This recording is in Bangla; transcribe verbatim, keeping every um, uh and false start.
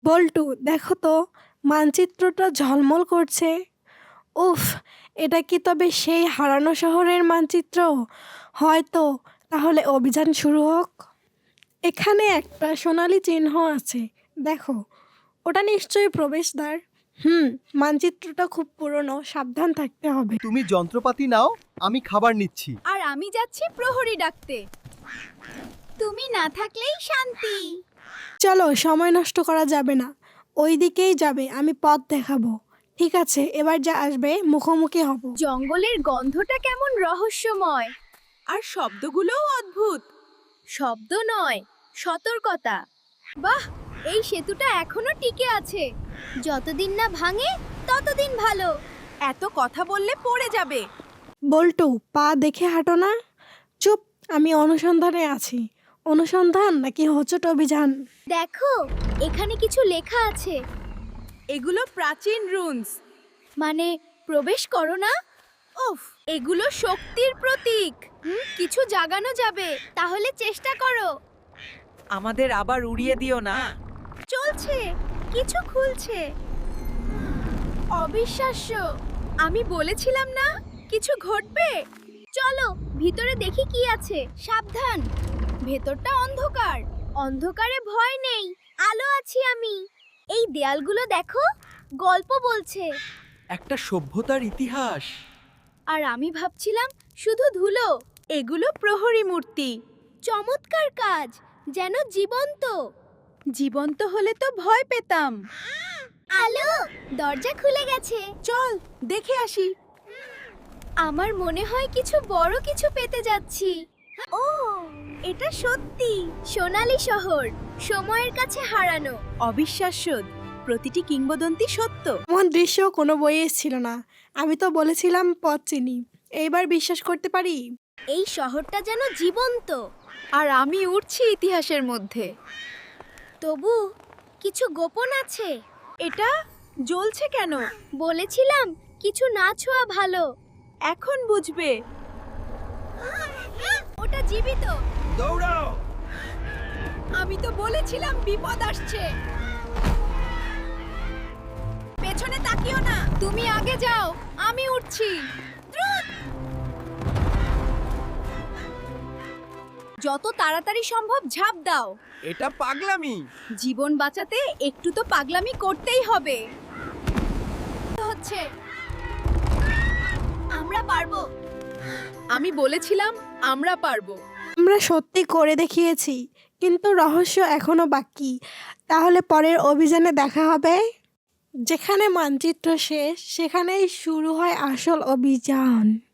বল্টু, দেখো তো, মানচিত্রটা ঝলমল করছে। উফ, এটা কি তবে সেই হারানো শহরের মানচিত্র? হয়তো। তাহলে অভিযান শুরু হোক। এখানে একটা সোনালি চিহ্ন আছে, দেখো। ওটা নিশ্চয়ই প্রবেশদ্বার। হুম, মানচিত্রটা খুব পুরনো, সাবধান থাকতে হবে। তুমি যন্ত্রপাতি নাও, আমি খাবার নিচ্ছি। আর আমি যাচ্ছি প্রহরী ডাকতে। তুমি না থাকলেই শান্তি। চলো, সময় নষ্ট করা যাবে না। ওই দিকেই যাবে, আমি পথ দেখাবো। ঠিক আছে, এবার যা আসবে মুখোমুখি হব। জঙ্গলের গন্ধটা কেমন রহস্যময়, আর শব্দগুলোও অদ্ভুত। শব্দ নয়, সতর্কতা। বাহ, এই সেতুটা এখনো টিকে আছে। যতদিন না ভাঙে ততদিন ভালো। এত কথা বললে পড়ে যাবে। বল্টু, পা দেখে হাঁটো না। চুপ, আমি অনুসন্ধানে আছি। অনুসন্ধান নাকি হোঁচট অভিযান? দেখো, এখানে কিছু লেখা আছে। এগুলো প্রাচীন রুনস, মানে প্রবেশ করো না। উফ, এগুলো শক্তির প্রতীক। হুম, কিছু জাগানো যাবে, তাহলে চেষ্টা করো। আমাদের আবার উড়িয়ে দিও না। চলছে, কিছু খুলছে। অবিশ্বাস্য, আমি বলেছিলাম না কিছু ঘটবে। চলো ভিতরে দেখি কি আছে। সাবধান, ভেতরটা অন্ধকার। অন্ধকারে ভয় নেই, আলো আছি আমি। এই দেয়ালগুলো দেখো, গল্প বলছে। একটা সভ্যতার ইতিহাস। আর আমি ভাবছিলাম শুধু ধুলো। এগুলো প্রহরী মূর্তি। চমৎকার কাজ, যেন জীবন্ত। জীবন্ত হলে তো ভয় পেতাম। আলো, দরজা খুলে গেছে। চল দেখে আসি। আমার মনে হয় কিছু বড় কিছু পেতে যাচ্ছি। ও, এটা সত্যি সোনালী শহর, সময়ের কাছে হারানো। অবিশ্বাস্য, প্রতিটি কিংবদন্তি সত্য। এমন দৃশ্য কোনো বইয়ে ছিল না। আমি তো বলেছিলাম পথ চিনি। এইবার বিশ্বাস করতে পারি? এই শহরটা যেন জীবন্ত। আর আমি উড়ছি ইতিহাসের মধ্যে। তবু কিছু গোপন আছে। এটা জ্বলছে কেন? বলেছিলাম কিছু না ছোঁয়া ভালো। এখন বুঝবে। ওটা জীবিত। দৌড়াও! আমি তো বলেছিলাম বিপদ আসছে। পেছনে তাকিও না, তুমি আগে যাও, আমি উঠছি। দ্রুত! যত তাড়াতাড়ি সম্ভব ঝাঁপ দাও। এটা পাগলামি। জীবন বাঁচাতে একটু তো পাগলামি করতেই হবে। হচ্ছে, আমরা পারবো। আমি বলেছিলাম আমরা পারবো। আমরা সত্যি করে দেখিয়েছি, কিন্তু রহস্য এখনো বাকি। তাহলে পরের অভিযানে দেখা হবে। যেখানে মানচিত্র শেষ, সেখানেই শুরু হয় আসল অভিযান।